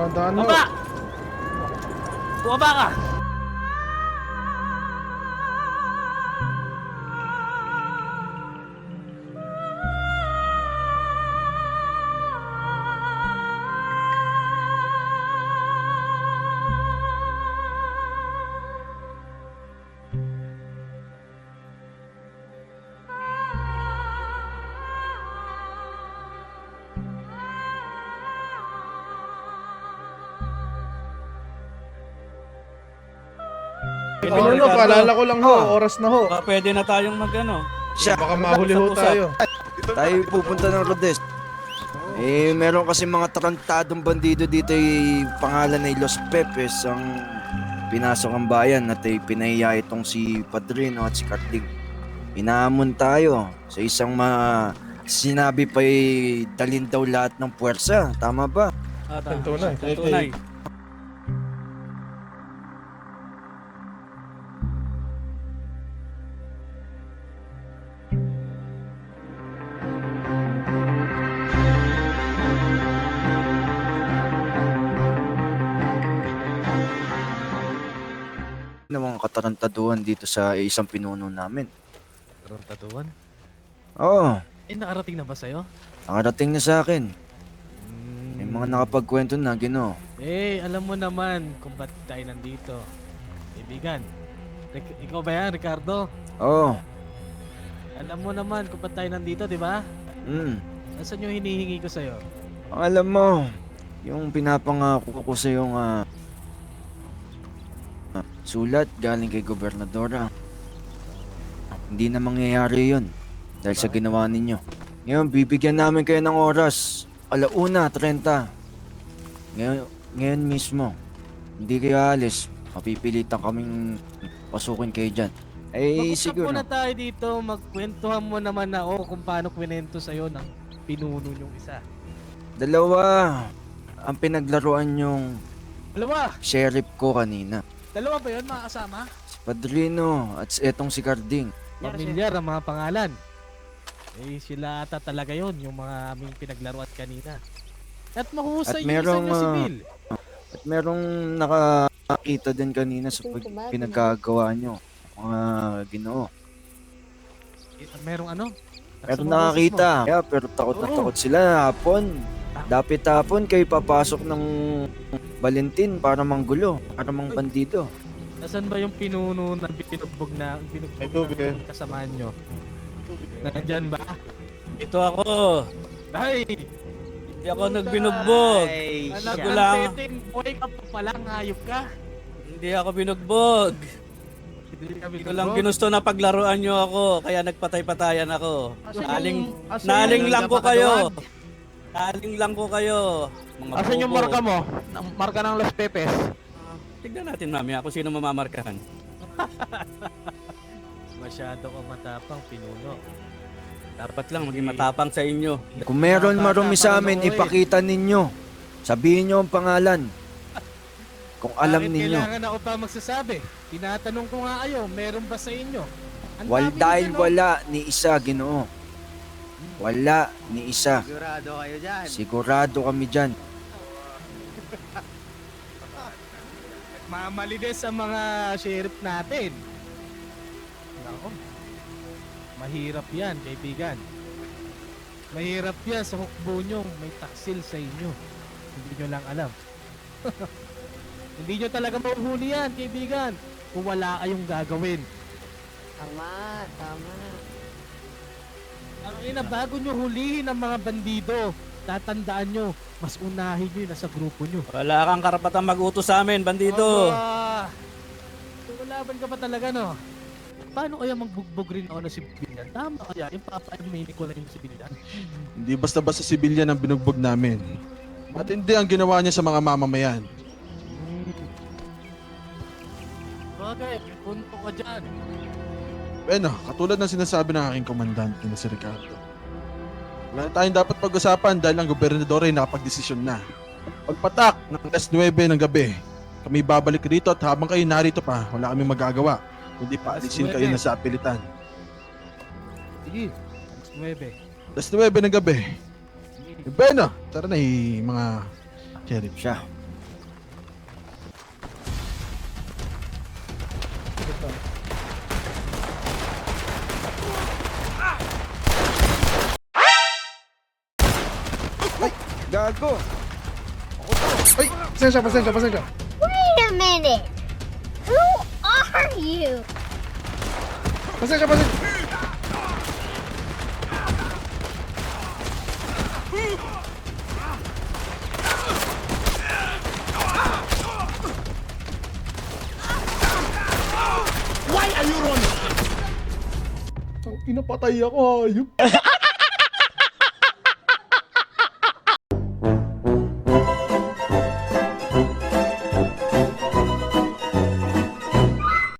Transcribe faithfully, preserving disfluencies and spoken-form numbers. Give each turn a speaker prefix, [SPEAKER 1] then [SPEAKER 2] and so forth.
[SPEAKER 1] Tandaan mo.
[SPEAKER 2] Baba! Bumaba ka!
[SPEAKER 1] Ano no, paalala ko lang ho, oras na ho.
[SPEAKER 2] Baka pwede na tayong mag ano.
[SPEAKER 3] Siya,
[SPEAKER 1] Baka mahuli ho tayo.
[SPEAKER 3] tayo pupunta ng Rodes. Eh, meron kasi mga tarantadong bandido dito ay pangalan ay Los Pepes ang pinasok ang bayan at ay pinahiya itong si Padrino at si Carting. Inaamon tayo sa isang ma... Sinabi pa ay dalin daw lahat ng puwersa. Tama ba?
[SPEAKER 2] Ah,
[SPEAKER 1] Ang tunay.
[SPEAKER 2] Ang tunay.
[SPEAKER 3] Ng mga katarantaduhan dito sa isang pinuno namin.
[SPEAKER 2] Tarantatuan?
[SPEAKER 3] Oo,
[SPEAKER 2] Eh, nakarating na ba sa'yo?
[SPEAKER 3] nakarating na sa akin. May mga nakapagkwento na, Ginoo.
[SPEAKER 2] Eh, alam mo naman kung ba't tayo nandito. Kaibigan, Ric- ikaw ba yan, Ricardo?
[SPEAKER 3] Oo,
[SPEAKER 2] Alam mo naman kung ba't tayo nandito, di ba?
[SPEAKER 3] mm.
[SPEAKER 2] Nasaan yung hinihingi ko sa'yo?
[SPEAKER 3] Ang alam mo, yung pinapangako ko sa yung ah, ah, sulat galing kay Gobernadora. Hindi na mangyayari yun dahil sa ginawa ninyo. Ngayon, bibigyan namin kayo ng oras. Alauna, trenta. Ngayon, ngayon mismo. Hindi kayo alis. Mapipilitan kaming pasukin kayo dyan. Eh,
[SPEAKER 2] Mag-usap
[SPEAKER 3] siguro.
[SPEAKER 2] muna tayo dito, magkwentuhan mo naman na ako kung paano kwento sa'yo ng pinuno yung isa.
[SPEAKER 3] Dalawa ang pinaglaruan yung
[SPEAKER 2] Dalawa!
[SPEAKER 3] sheriff ko kanina.
[SPEAKER 2] Dalawa ba yun, mga kasama?
[SPEAKER 3] Si Padrino at etong si Carding.
[SPEAKER 2] Pamilyar ang mga pangalan. Eh, sila ata talaga yon yung mga aming pinaglaruan kanina. At mahusay
[SPEAKER 3] At
[SPEAKER 2] yung
[SPEAKER 3] merong,
[SPEAKER 2] isang
[SPEAKER 3] ah,
[SPEAKER 2] sibil.
[SPEAKER 3] At merong nakakita din kanina sa pag- pinagkagawa nyo. Mga Ginoo.
[SPEAKER 2] Eh, merong ano?
[SPEAKER 3] Pero
[SPEAKER 2] Lakas ng
[SPEAKER 3] nakakita.
[SPEAKER 2] boses mo.
[SPEAKER 3] Kaya pero takot na
[SPEAKER 2] Oo.
[SPEAKER 3] takot sila hapon. Dapit hapon kayo papasok ng Valentin para manggulo. Para mang bandido.
[SPEAKER 2] Nasaan ba yung pinuno na binugbog na binugbog
[SPEAKER 1] May tubig eh.
[SPEAKER 2] na kasamaan nyo? Nandyan ba?
[SPEAKER 4] Ito ako.
[SPEAKER 2] Ay!
[SPEAKER 4] Hindi ako nagbinugbog.
[SPEAKER 2] Anak
[SPEAKER 4] Ako
[SPEAKER 2] ng
[SPEAKER 4] lang.
[SPEAKER 2] teteng, boy ka pa pala, hayop ka.
[SPEAKER 4] Hindi ako binugbog.
[SPEAKER 2] Hindi ka
[SPEAKER 4] Hindi ko lang
[SPEAKER 2] binugbog.
[SPEAKER 4] ginusto na paglaruan nyo ako. Kaya nagpatay-patayan ako.
[SPEAKER 2] Asan
[SPEAKER 4] Naling,
[SPEAKER 2] yung- asan
[SPEAKER 4] naling
[SPEAKER 2] yung
[SPEAKER 4] lang ko
[SPEAKER 2] napakaduan?
[SPEAKER 4] kayo. Naling lang ko kayo. Mga
[SPEAKER 2] Asan yung
[SPEAKER 4] bobo.
[SPEAKER 2] marka mo? Ang marka ng Los Pepes.
[SPEAKER 4] Tignan natin mamaya kung sino mamamarkahan.
[SPEAKER 2] Masyado ka matapang, pinuno.
[SPEAKER 4] Dapat lang maging matapang sa inyo.
[SPEAKER 3] Kung meron
[SPEAKER 2] Bata
[SPEAKER 3] marumi
[SPEAKER 2] pa
[SPEAKER 3] sa
[SPEAKER 2] rin
[SPEAKER 3] amin,
[SPEAKER 2] ako eh.
[SPEAKER 3] ipakita ninyo. Sabihin nyo ang pangalan. Kung alam
[SPEAKER 2] Bakit
[SPEAKER 3] ninyo.
[SPEAKER 2] kailangan ako pa magsasabi? Tinatanong ko nga kayo, meron ba sa inyo? Ang
[SPEAKER 3] Wal,
[SPEAKER 2] dami
[SPEAKER 3] dahil
[SPEAKER 2] nyo, no?
[SPEAKER 3] wala ni isa, Ginoo. Wala ni isa.
[SPEAKER 5] Sigurado kayo dyan.
[SPEAKER 3] Sigurado kami dyan.
[SPEAKER 2] Mamalides ang mga sheriff natin. Nako. Mahirap yan, kaibigan. Mahirap yan sa hukbo nyo. May taksil sa inyo. Hindi nyo lang alam. Hindi nyo talaga mahuhuli yan, kaibigan. Kung wala kayong gagawin.
[SPEAKER 6] Tama, tama.
[SPEAKER 2] Ang ina, bago nyo hulihin ang mga bandido, tatandaan nyo, mas unahin nyo yung nasa grupo nyo.
[SPEAKER 4] Wala kang karapatang mag-utos sa amin, bandido.
[SPEAKER 2] Aba! Tumalaban ka pa talaga, no? Paano kaya magbugbog rin ako ng sibilyan? Tama kaya, yung papa-aminin ko na yung sibilyan.
[SPEAKER 7] Hindi basta-basta sibilyan ang binugbog namin. At hindi ang ginawa niya sa mga mamamayan.
[SPEAKER 2] Hmm. Bagay, may punto ka dyan.
[SPEAKER 7] Bueno, katulad ng sinasabi ng aking komandante na si Ricardo. Wala na tayong dapat pag-usapan dahil ang gobernador ay nakapag-desisyon na. Pagpatak ng alas nuwebe ng gabi, kami babalik rito at habang kayo narito pa, wala kaming magagawa. Kundi paalisin kayo na sa apilitan.
[SPEAKER 2] Sige, alas nuwebe.
[SPEAKER 7] alas nuwebe ng gabi. Bueno, tara na eh, mga sheriff.
[SPEAKER 3] Siya. Gago.
[SPEAKER 1] Ay, pasensya, pasensya, pasensya.
[SPEAKER 6] Wait a minute! Who are you?
[SPEAKER 1] Pasensya, pasensya. Why are you running? Ang inapatay ako, ayup.